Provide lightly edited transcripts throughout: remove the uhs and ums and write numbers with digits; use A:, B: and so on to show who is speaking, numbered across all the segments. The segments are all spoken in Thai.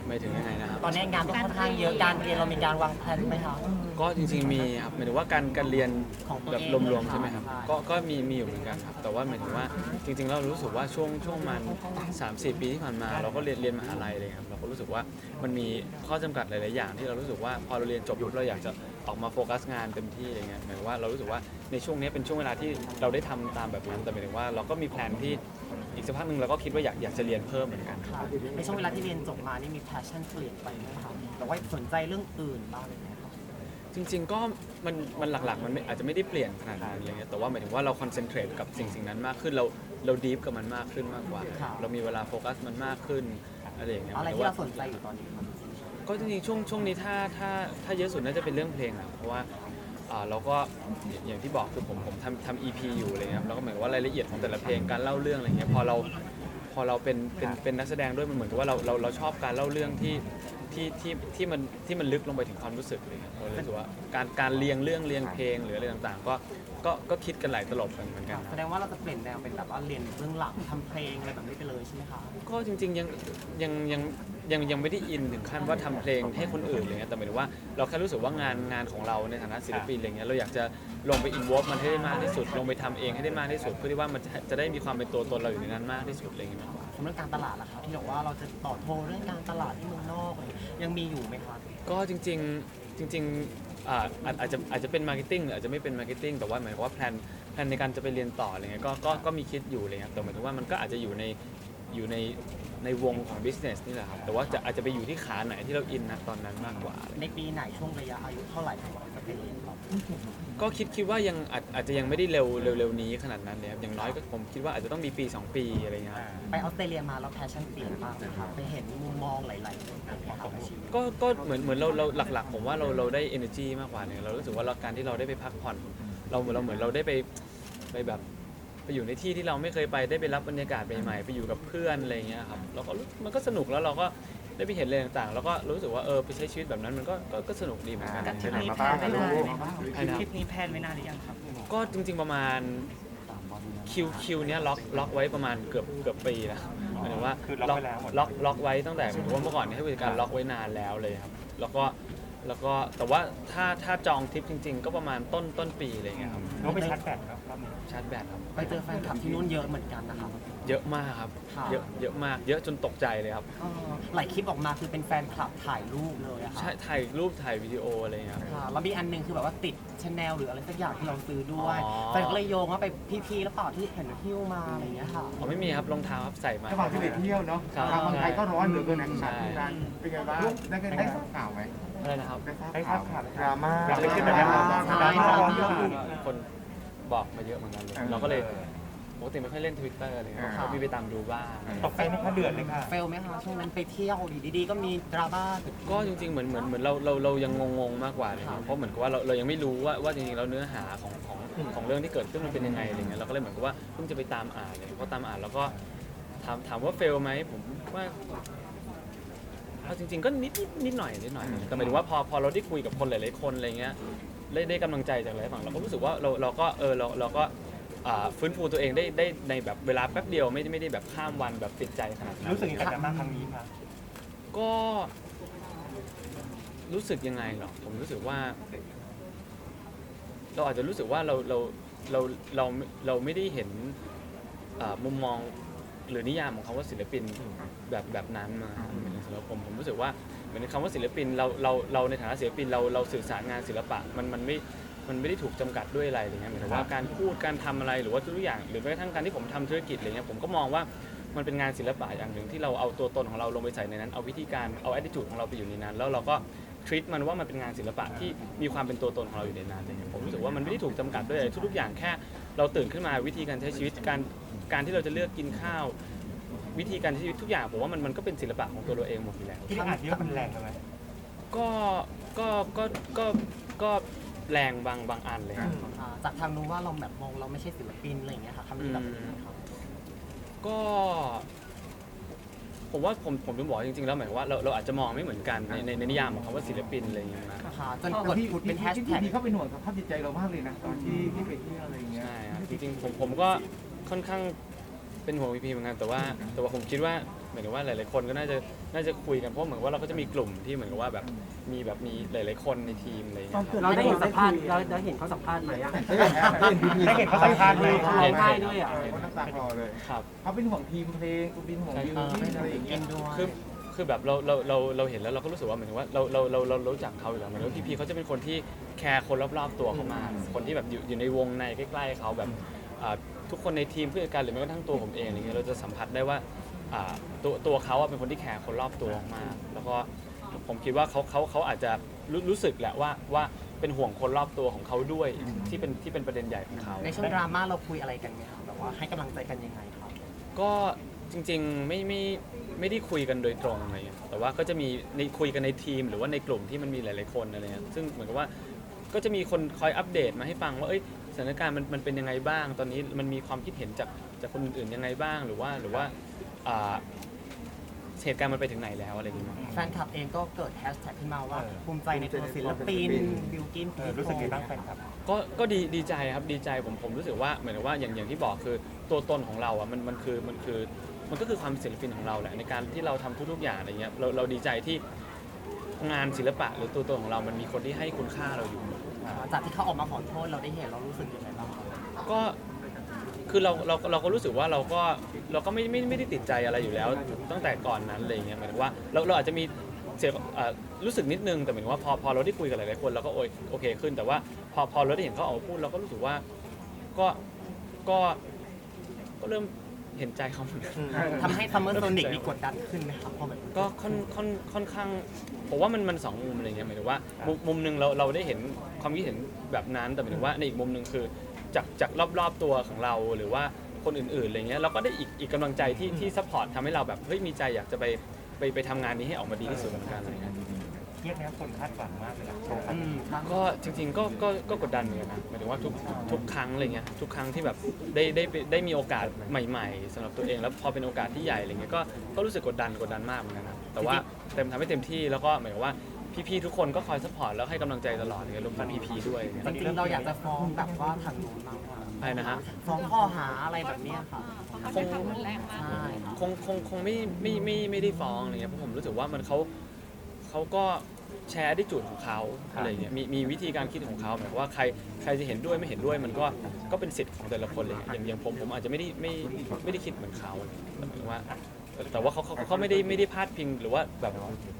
A: ไม่ถึงยังไงนะครับ
B: ตอนนี้งานก็ค่อนข้างเยอะการเรียนเรามีการวางแผนไหมคะ
A: ก็จริงๆมีครับหมายถึงว่าการเรียน
B: ของตัว
A: แบบ
B: เอง
A: รวมๆใช่ไหมครับ
B: ใช่
A: ก็มีอยู่เหมือนกันครับแต่ว่าหมายถึงว่าจริงๆเรารู้สึกว่าช่วงมัน3-4 ปีที่ผ่านมาเราก็เรียนมหาลัยเลยครับเราก็รู้สึกว่ามันมีข้อจำกัดหลายๆอย่างที่เรารู้สึกว่าพอเราเรียนจบปุ๊บเราอยากจะออกมาโฟกัสงานเต็มที่อะไรเงี้ยหมายถึงว่าเรารู้สึกว่าในช่วงนี้เป็นช่วงเวลาที่เราได้ทำตามแบบนั้นแต่หมายถึงว่าเราก็มีแพลนที่อีกสักพักหนึ่งเราก็คิดว่าอยากจะเรียนเพิ่มเหมือนกัน
B: ค่ะในช่วงเวลาที่เรียนจบมานี่มี passion เปลี่ยนไปไหมคะแต่ว่าสนใจเรื่องอื่นบ้างไหมคะ
A: จริงๆก็มันหลักๆมันอาจจะไม่ได้เปลี่ยนขนาดนั้นอะไรเงี้ยแต่ว่าหมายถึงว่าเราคอนเซนเทรตกับสิ่งนั้นมากขึ้นเราดีฟกับมันมากขึ้นมากกว่า เรามีเวลาโฟกัสมันมากขึ้นอะไรอย่างเงี้ย
B: อะไรที่เราสนใจอยู่ตอนนี้ครับ
A: ก็จริงๆช่วงนี้ถ้าเยอะสุดน่าจะเป็นเรื่องเพลงอะเพราะว่าเราก็อย่างที่บอกคือผมทำ EP อยู่อะไรเงี้ยแล้วก็เหมือนว่ารายละเอียดของแต่ละเพลงการเล่าเรื่องอะไรเงี้ยพอเราเป็นนักแสดงด้วยมันเหมือนกับว่าเราชอบการเล่าเรื่องที่มันลึกลงไปถึงความรู้สึกเลยครับเรารู้สึกว่าการเรียงเรื่องเรียงเพลงหรืออะไรต่างๆก็คิดกันหลายตลบกันเหมือนกันค
B: แส
A: รับ
B: ดงว่าเราจะเปลี่ยนแนวเป็นแบบว่าเรียนเบื้องหลังทำเพลงอะไรแบบนี้ไปเลยใช่ไหมคะ
A: ก็จริงๆยังไม่ได้อินถึงขั้นว่าทำเพลงให้คนอื่นอะไรเงี้ยแต่หมายถึงว่าเราแค่รู้สึกว่างานของเราในฐานะศิลปินอะไรเงี้ยเราอยากจะลงไปอินวอล์ฟมันให้ได้มากที่สุดลงไปทำเองให้ได้มากที่สุดเพื่อที่ว่ามันจะได้มีความเป็นตัวตนเราอยู่ในนั้นมากที่สุดอะไรเงี้ยมากกว่า
B: เรื่องการตลาดล่ะครับที่บอกว่าเราจะต่อโทรเรื่องการตลาดที่เมืองนอกอะไรยังมีอยู่ไหมครับ
A: ก็จริงอาจจะเป็นมาร์เก็ตติ้งหรืออาจจะไม่เป็นมาร์เก็ตติ้งแต่ว่าหมายความว่าแพลนในการจะไปเรียนต่ออะไรเงี้ยก็มีคิดอยู่เลยครับแต่หมายถึงว่ามันก็อาจจะอยู่ในวงของ business นี่แหละครับแต่ว่าอาจจะไปอยู่ที่ขาไหนที่เราอินนะตอนนั้นมากกว่า
B: ในปีไหนช่วงระยะอายุเท่าไหร่ครับจะไปเรียนต่อ
A: ก็คิดว่ายังอาจจะยังไม่ได้เร็วนี้ขนาดนั้นเลยครับอย่างน้อยก็ผมคิดว่าอาจจะต้องมีปี 2 ปีอะไรเงี้ยครับ
B: ไปออสเตรเลียมาแล้วแพชชั่นเปลี่ยนบ้างไหมครับไปเห็นมุมมองหลายๆมุมของชีวิต
A: ก็เหมือนเราหลักๆผมว่าเราได้ energy มากกว่าเนี่ยเรารู้สึกว่าการที่เราได้ไปพักผ่อนเราเหมือนเราได้ไปแบบไปอยู่ในที่ที่เราไม่เคยไปได้ไปรับบรรยากาศใหม่ๆไปอยู่กับเพื่อนอะไรเงี้ยครับเราก็มันก็สนุกแล้วเราก็ได้ไปเห็นอะไรต่างๆแล้วก็รู้สึกว่าไปใช้ชีวิตแบบนั้นมันก็สนุกดีเหมือนกัน
C: ทริปนี้แพลนไว้นานหรือยังครับ
B: ทริปนี้แพลนไว้นานหรือยังครับ
A: ก็จริงๆประมาณคิวเนี้ยล็อกไว้ประมาณเกือบปีนะหมายถึงว่าล็อกไว้ตั้งแต่หมายถึงว่าเมื่อก่อนเนี่ยให้บริการล็อกไว้นานแล้วเลยครับแล้วก็แต่ว่าถ้าจองทริปจริงๆ ก็ประมาณต้นปีอะไรเงี้ยครับ
C: เราไปชาร์จแบตครับรอบนี้
A: ชาร์จแบตครับ
B: ไปเจอแฟนคลับที่นู่นเยอะเหมือนกันนะครับ
A: เยอะมากครับ
B: ค่ะ
A: เยอะมากเยอะจนตกใจเลยครับ
B: หลายคลิปออกมาคือเป็นแฟนคลับถ่ายรูปเลยอะค่ะ
A: ใช่ถ่ายรูปถ่ายวิดีโออะไรเงี้ยครับ
B: ค่ะแล้วมีอันหนึงคือแบบว่าติดชาแนลหรืออะไรสักอย่างที่เราซื้อด้วย
A: อ๋อ
B: แฟนก็เลยโยงว่าไปพี่ๆแล้วเปล่าที่เห็นหิ้วมาอะไรอย่างเงี้ยค่ะ
A: อ๋อไม่มีครับรองเท้าครับใส่มา
D: ระหว่างที่ไปเที่ยวเนาะ
A: ครับ
D: ทางเมืองไทยก็ร้อนเหลือเกินนะ
A: ใช่
D: การเป็นไงบ้างได้ทราบข่าวไหม
A: อะไรนะครับ
D: ได้ทราบข่าวดราม่า
C: อยากไปขึ้นแบบนั้น
B: ใช่
C: ดราม่าร้อน
B: ใช่
C: เยอะ
A: คนบอกมาเยอะเหมือนกันเลยเราก็เลยปกติไม่ค่อยเล่น Twitter อะไรเงี้ยก็มีไปตามดูบ้าง
C: ตกใจไหมคะเดือดเลยค่ะ
B: เฟลไหมคะช่วงนั้นไปเที่ยวดีๆก็มีดราม่า
A: ก็จริงๆเหมือนเรายังงงๆมากกว่าเลยครับเพราะเหมือนกับว่าเรายังไม่รู้ว่าจริงๆแล้วเนื้อหาของเรื่องที่เกิดขึ้นมันเป็นยังไงอะไรเงี้ยเราก็เลยเหมือนกับว่าเพิ่งจะไปตามอ่านเลยพอตามอ่านแล้วก็ถามว่าเฟลไหมผมว่าเอาจริงๆก็นิดหน่อยแต่หมายถึงว่าพอเราได้คุยกับคนหลายๆคนอะไรเงี้ยได้กำลังใจจากหลายฝั่งเราก็รู้สึกว่าเราก็ฟื้นฟูตัวเองได้ในแบบเวลาแป๊บเดียวไม่ได้แบบข้ามวันแบบติดใจขนาดนั้น
C: รู้สึกยังไงกับดราม่าครั้งนี้คะ
A: ก็รู้สึกยังไงหรอผมรู้สึกว่า เราอาจจะรู้สึกว่าเราไม่ได้เห็นมุมมองหรือนิยามของคำว่าศิลปินแบบนั้นมาสำหรับผมรู้สึกว่าเหมือนคำว่าศิลปินเราในฐานะศิลปินเราสื่อสารงานศิลปะมันไม่ได้ถูกจำกัดด้วยอะไรอะไรเงี้ยหมายถึงว่าการพูดการทำอะไรหรือว่าทุกอย่างหรือแม้กระทั่งการที่ผมทำธุรกิจอะไรเงี้ยผมก็มองว่ามันเป็นงานศิลปะอย่างหนึ่งที่เราเอาตัวตนของเราลงไปใส่ในนั้นเอาวิธีการเอา attitude ของเราไปอยู่ในนั้น แล้วเราก็treat มันว่ามันเป็นงานศิลปะที่มีความเป็นตัวตนของเราอยู่ในนั้นอะไรเงี้ยผมรู้สึกว่ามันไม่ได้ถูกจำกัดด้วยอะไรทุกๆอย่างแค่เราตื่นขึ้นมาวิธีการใช้ชีวิตการที่เราจะเลือกกินข้าววิธีการใช้ชีวิตทุกอย่างผมว่ามันก็เป็นศิลปะของตัวเราเองหมดอยู่แล้ว
C: ที่อ่านเยอะมันแรงไหม
A: ก็แรงบางอันเลยครับ
B: จากทางนู้นว่าเราแบบมองเราไม่ใช่ศิลปินอะไรอย่างเงี้ยค่ะคำนี้แบบนี้ครับ
A: ก็ผมว่าผมถึงบอกจริงๆแล้วหมายว่าเราอาจจะมองไม่เหมือนกันในนิยามของคำว่าศิลปินอะไรอย่างเงี้ยนะ
B: ค่ะจนกดผุดเป็นแฮชแท็ก
D: ที่เขาเป็นห่วงสภาพจิตใจเรามากเลยนะตอนที่ไปเที่ยวอะไรอย่างเงี้ย
A: ใช่ครับจริงๆผมก็ค่อนข้างเป็นห่วงพีพีเหมือนกันแต่ว่าผมคิดว่าหมายถึงว่าหลายๆคนก็น่าจะคุยกันเพราะเหมือนว่าเราก็จะมีกลุ่มที่เหมือนกับว่าแบบมีหลายๆคนในทีมอะไรอย่างเงี้ย
B: เราได้เห็นสัมภาษณ์เราเห็นเขาสัมภาษณ์ไหมอะ
C: ได้เห็นเขาสัมภาษณ์ไหม
B: เขาร้องไห้ด้วยอ่ะ
D: คนน้ำตาคลอเลย
A: ครับ
D: เขาเป็นห่วงทีมเพลงกูเป็นห่วงยูที่อะไรอย่างเงี้ย
A: คือแบบเราเห็นแล้วเราก็รู้สึกว่าเหมือนถึงว่าเรารู้จักเขาอยู่แล้วเหมือนว่าพี่เขาจะเป็นคนที่แคร์คนรอบๆตัวเขามากคนที่แบบอยู่ในวงในใกล้ๆเขาแบบทุกคนในทีมเพื่อนกันหรือแม้กระทั่งตัวผมเองอะไรเงี้ยเราจะสัมผัสได้ว่าตัวเขาเป็นคนที่แคร์คนรอบตัวมากแล้วก็ผมคิดว่าเขาอาจจะรู้สึกแหละว่าเป็นห่วงคนรอบตัวของเขาด้วยที่เป็นประเด็นใหญ่ของเขา
B: ในช่วงดราม่าเราคุยอะไรกันไหมครับแบบว่าให้กำลังใจกันยังไงครับ
A: ก็จริงๆไม่ได้คุยกันโดยตรงอะไรเงี้ยแต่ว่าก็จะมีคุยกันในทีมหรือว่าในกลุ่มที่มันมีหลายๆคนอะไรเงี้ยซึ่งเหมือนกับว่าก็จะมีคนคอยอัปเดตมาให้ฟังว่าสถานการณ์มันเป็นยังไงบ้างตอนนี้มันมีความคิดเห็นจากคนอื่นๆยังไงบ้างหรือว่าเหตุการณ์มันไปถึงไหนแล้วอะไรอย่างเงี้ย
B: แฟนคลับเองก็เกิดแฮชแท็กขึ้นมาว่าภูมิใจในตัวศิลปินบิลกิน
C: รู้สึกยังไงบ้างแฟนคลับ
A: ก็ดีใจครับดีใจผมรู้สึกว่าเหมือนกับว่าอย่างที่บอกคือตัวตนของเราอ่ะมันก็คือความศิลปินของเราแหละในการที่เราทำทุกๆอย่างอะไรเงี้ยเราดีใจที่งานศิลปะหรือตัวตนของเรามันมีคนที่ให้คุณค่าเราอยู่
B: จากที่เขาออกมาขอโทษเราได้เห็นเรารู้สึกยังไงบ้างครับ
A: ก็คือเราก็รู้สึกว่าเราก็ไม่ได้ติดใจอะไรอยู่แล้วตั้งแต่ก่อนนั้นอะไรเงี้ยหมายถึงว่าเราอาจจะมีเสียรู้สึกนิดนึงแต่หมายถึงว่าพอเราได้คุยกับหลายๆคนเราก็โอเคขึ้นแต่ว่าพอเราได้เห็นเขาออกมาพูดเราก็รู้สึกว่าก็เริ่มเห็นใจเขาเหมือนกัน
B: ทำให้ซัมเมอร์โซนิกมีกดดันขึ้นไหมครับพอแบบ
A: ก็ค่อนข้างผมว่ามันสองมุมอะไรเงี้ยหมายถึงว่ามุมหนึ่งเราได้เห็นความคิดเห็นแบบนั้นแต่หมายถึงว่าในอีกมุมหนึ่งคือจากรอบๆตัวของเราหรือว่าคนอื่นๆอะไรเงี้ยเราก็ได้อีกกำลังใจที่ซัพพอร์ตทำให้เราแบบเฮ้ยมีใจอยากจะไปทำงานนี้ให้ออกมาดีที่สุดเหมือนกันอะไรเงี้ย
C: เครียดนะคนคาดหวังมากเลยนะโชว์ครั้ง
B: อื
C: นี้
B: ม
A: ก็จริงๆก็กดดันเหมือนกันนะหมายถึงว่าทุกครั้งอะไรเงี้ยทุกครั้งที่แบบได้มีโอกาสใหม่ๆสำหรับตัวเองแล้วพอเป็นโอกาสที่ใหญ่อะไรเงี้ยก็รู้สึกกดดันมากเหมือนกันนะแต่ว่าทำให้เต็มที่แล้วก็หมายถึงว่าพี่ๆทุกคนก็คอยซัพพอร์ตแล้วให้กำลังใจตลอดเลยรวมถึงพี่ๆด้วย
B: จริงๆเราอยากจะฟ้องแบบว่าทางนู้นมากกว่า
A: ใช่นะฮะ
B: ฟ้องข้อหาอะไรแบบเนี้ยค่ะ
A: คง
B: ใช่ครับ
A: คงไม่ได้ฟ้องอะไรเงี้ยเพราะผมรู้สึกว่ามันเขาก็แชร์ได้จุดของเขาอะไรเงี้ยมีวิธีการคิดของเขาหมายความว่าใครจะเห็นด้วยไม่เห็นด้วยมันก็เป็นสิทธิ์ของแต่ละคนเลยอย่างผมอาจจะไม่ได้คิดเหมือนเขาแต่หมายถึงว่าแต่ว่าเขาไม่ได้พาดพิงหรือว่าแบบ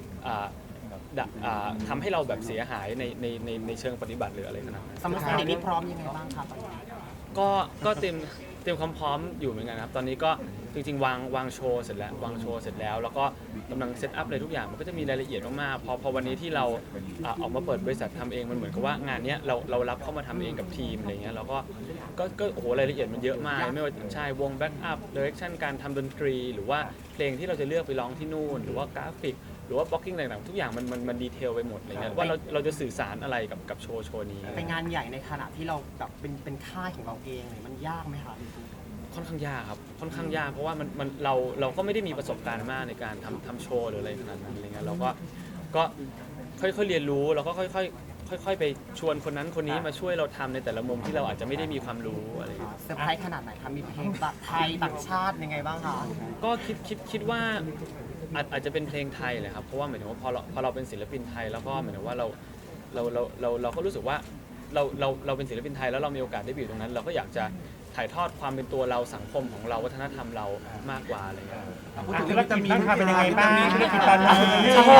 A: ทำให้เราแบบเสียหายในเชิงปฏิบัติหรืออะไรขนาดนั้น
B: ซัมเมอร์โซนิกนี่พร้อมยังไงบ้างครับ
A: ก็เตรียมความพร้อมอยู่เหมือนกันครับตอนนี้ก็จริงๆวางโชว์เสร็จแล้วแล้วก็กำลังเซตอัพอะไรทุกอย่างมันก็จะมีรายละเอียดมากๆพอวันนี้ที่เราออกมาเปิดบริษัททำเองมันเหมือนกับว่างานเนี้ยเรารับเข้ามาทำเองกับทีมอะไรเงี้ยแล้วก็โอ้โหรายละเอียดมันเยอะมากไม่ว่าใช่วงแบ็กอัพเดเรคชั่นการทำดนตรี หรือว่าเพลงที่เราจะเลือกไปร้องที่นู่นหรือว่ากราฟิกหรือว่าบล็อกกิ้งต่างๆทุกอย่างมันดีเทลไปหมดอะไรเงี้ยว่าเราจะสื่อสารอะไรกับโชว์นี้
B: เป็นงานใหญ่ในขณะที่เราแบบเป็นค่ายของเราเองเนี่ยมันยากไหมคะ
A: ค่อนข้างยากครับค่อนข้างยากเพราะว่าเราก็ไม่ได้มีประสบการณ์มากในการทำโชว์หรืออะไรขนาดนั้นอะไรเงี้ยเราก็ค่อยๆเรียนรู้แล้วก็ค่อยๆไปชวนคนนั้นคนนี้มาช่วยเราทำในแต่ละมุมที่เราอาจจะไม่ได้มีความรู้อะไรเงี้ย
B: เซอร์ไพรส์ขนาดไหนคะมีเพลงไทยต่างชาติยังไงบ้างคะ
A: ก็คิดว่าอาจจะเป็นเพลงไทยแหละครับเพราะว่าหมายถึงว่าพอเราเป็นศิลปินไทยแล้วก็หมายถึงว่าเราก็รู้สึกว่าเราเป็นศิลปินไทยแล้วเรามีโอกาสได้ไปอยู่ตรงนั้น เราก็อยากจะถ่ายทอดความเป็นตัวเราสังคมของเราวัฒนธรรมเรามากกว่าอะไรเงี้ย
C: ธุรกิจบ้างค่ะเป็นยังไงบ้างธุรกิจตอนนี้
A: โอ้โห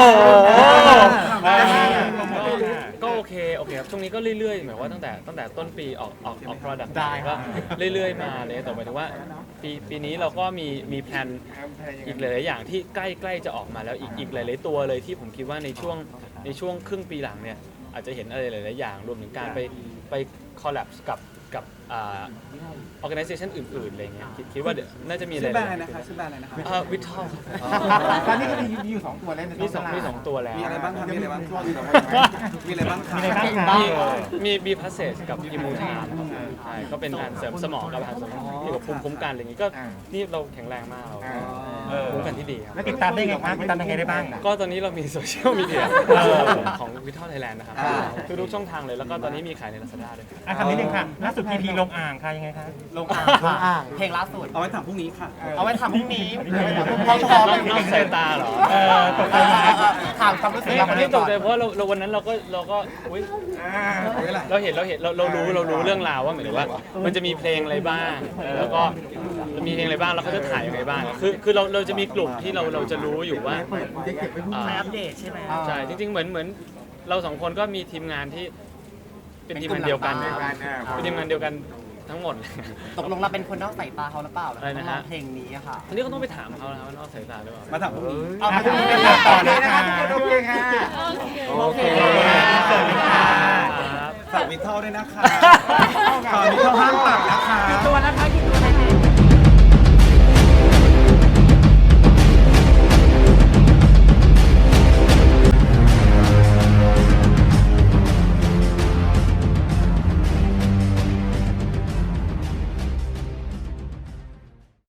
A: ก็โอเคครับช่วงนี้ก็เรื่อยๆหมายว่าตั้งแต่ต้นปีออก product
B: ได้
A: ก็เรื่อยๆมาเลยแต่หมายถึงว่าปีนี้เราก็มีแพลนอีกหลายๆอย่างที่ใกล้จะออกมาแล้วอีกหลายๆตัวเลยที่ผมคิดว่าในช่วงครึ่งปีหลังเนี่ยอาจจะเห็นอะไรหลายๆอย่างรวมถึงการไปคอลแลบกับorganization อื่นๆอะไรเงี้ยคิดว่าเดี๋ยวน่าจะมีอะไร
D: ชื่อแบรนด์อะไรนะคะชื่อแบรนด์อะไรนะคะ
A: วิทอล
D: ตอนนี้ก็มีอยู่2ตัวแล้ว
A: มีสองตัวแล้ว
D: มีอะไรบ้างครับมีอะไรบ้างมีอะไรบ้างครับ
A: มีบีพาสเซจกับอิมูทานใช่ก็เป็นการเสริมสมองกับอาหารเสริมเกี่ยวกับภูมิคุ้มกันอะไรอย่างงี้ก็นี่เราแข็งแรงมากเราคู่กันที่ดีครับ
C: แล้วติดตามได้ไงครับติดตามยังไงได้บ้าง
A: ก็ตอนนี้เรามีโซเชียลมีเดีย
C: เออ
A: ของวิท a l ไทยแลนด์นะครับ
D: อ่า
A: ทุกๆช่องทางเลยแล้วก็ตอนนี้มีขายใน Lazada ด้วย
C: อ่ะคำนี้หนึ่งค่ะล่าสุดพีพีลงอ่างค่ะยังไงคะ
B: ลงอ่างค่ะเพลงล่าสุด
D: เอาไว้ถามพรุ่งนี้ค่ะ
B: เอาไว้ถามพรุ่งนี้
A: นอกสายตาเหรอ
C: ตกใจไหม
B: ถามความรู้สึก
A: ไม่
B: เราคน
A: ไม่
B: นี้
A: ต
B: ก่
A: ก
B: อน
A: ใจเพราะเราวันนั้นเราก็อุ๊ยเราเห็นเรารู้เรื่องราวว่าเหมือนว่า มันจะมีเพลงอะไรบ้างแล้วก็มีเพลงอะไรบ้างแล้วเขาจะถ่ายยังไงบ้างคือเราจะมีกลุ่มที่เราจะรู้อยู่ว่า
B: ใช้อัปเดตใช่ไหม
A: ใช่จริงๆเหมือนเราสองคนก็มีทีมงานที่เป็นทีมงานเดียวกันนะครับเป็นทีมงานเดียวกันทั้งหมดเลย
B: ตกลงเราเป็นคนนอกสายตาเขาหรือเปล่า
A: อะไรนะฮะ
B: เพลงนี้อะค่ะ
A: อันนี้ก็ต้องไปถามเขานะครับว่านอกสายตาหรือเปล่า
D: มาถามพรุ่งนี้
B: เอาไป
C: อ่ะพรุ่งนี้ต่อนะคะ
D: โอเคค่ะ
A: โอเค
C: สวัสดีค่ะ
A: ครับ
D: ฝากวิทเทลด้วยนะคะฝากวิทเทลห้ามตัดนะคะ
C: ตัวนะคะ